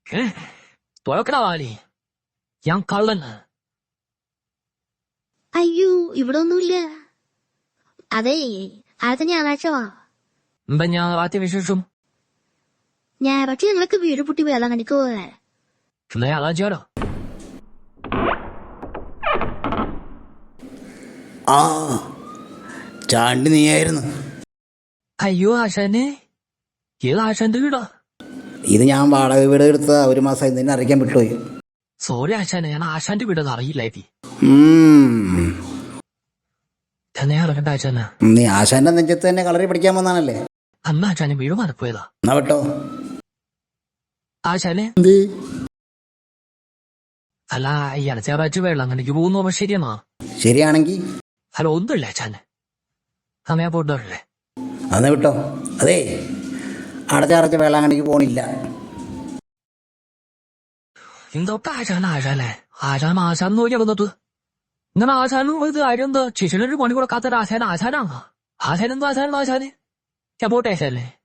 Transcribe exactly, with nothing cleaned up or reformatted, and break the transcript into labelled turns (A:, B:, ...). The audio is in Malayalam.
A: 哎，多要给到哪里？养高冷呢？
B: അയ്യോ ഇവിടെ ഒന്നുമില്ല. അതെ അടുത്ത ഞായറാഴ്ച വാ.
A: 本娘把这位是什么？
B: ഞായറാഴ്ച ഞങ്ങളൊക്കെ വീട് പൂട്ടി വേളാങ്കണ്ണിക്ക് പോവേ.
A: 是那样来接的。
C: ആ ചാണ്ടി നീയായിരുന്നു.
A: അയ്യോ ആശാനെ, ഏത് ആശാന്റെ വീടാ?
C: ഇത് ഞാൻ വാടക വീട് എടുത്ത ഒരു മാസമായി നിന്നെ അറിയിക്കാൻ വിട്ടുപോയി.
A: സോറി ആശാനെ, ഞാൻ ആശാന്റെ വീടെന്ന് അറിയില്ലായി. തന്നെയാണ് കണ്ട ആശാന.
C: നീ ആശാന്റെ നെഞ്ചത്ത് തന്നെ കളറി പഠിക്കാൻ വന്നാണല്ലേ?
A: അന്ന് ആശാനെ വീട് മാറിപ്പോയതാ.
C: എന്നാ വിട്ടോ
A: ആശാനെ.
C: എന്ത്?
A: അല്ല ഇയാളെ ചേറാഴ്ച വേളാങ്കണ്ണിക്ക് പോകുന്നു ശരിയെന്നാ?
C: ശരിയാണെങ്കി
A: അല്ല ഒന്നുമില്ല ആശാനെ, സമയം പോട്ടല്ലേ.
C: അന്ന് വിട്ടോ. അതേ അടച്ചടച്ച വേളാങ്കണ്ണിക്ക് പോണില്ല.
A: എന്തൊക്കെ ആശാന ആശാനെ, ആശാൻ ആശാൻ നോക്കിയാകുന്നത്. ഇങ്ങനെ ആശാനും ഇത് ആരെന്താ ചേച്ചിയുടെ ഒരു മണിക്കൂടെ കാത്തൊരു ആശാന ആശാനാ? ആശാനെന്തോ ആശാനാണോ ആശാനെ? ഞാൻ പോട്ടെ ആശാനെ.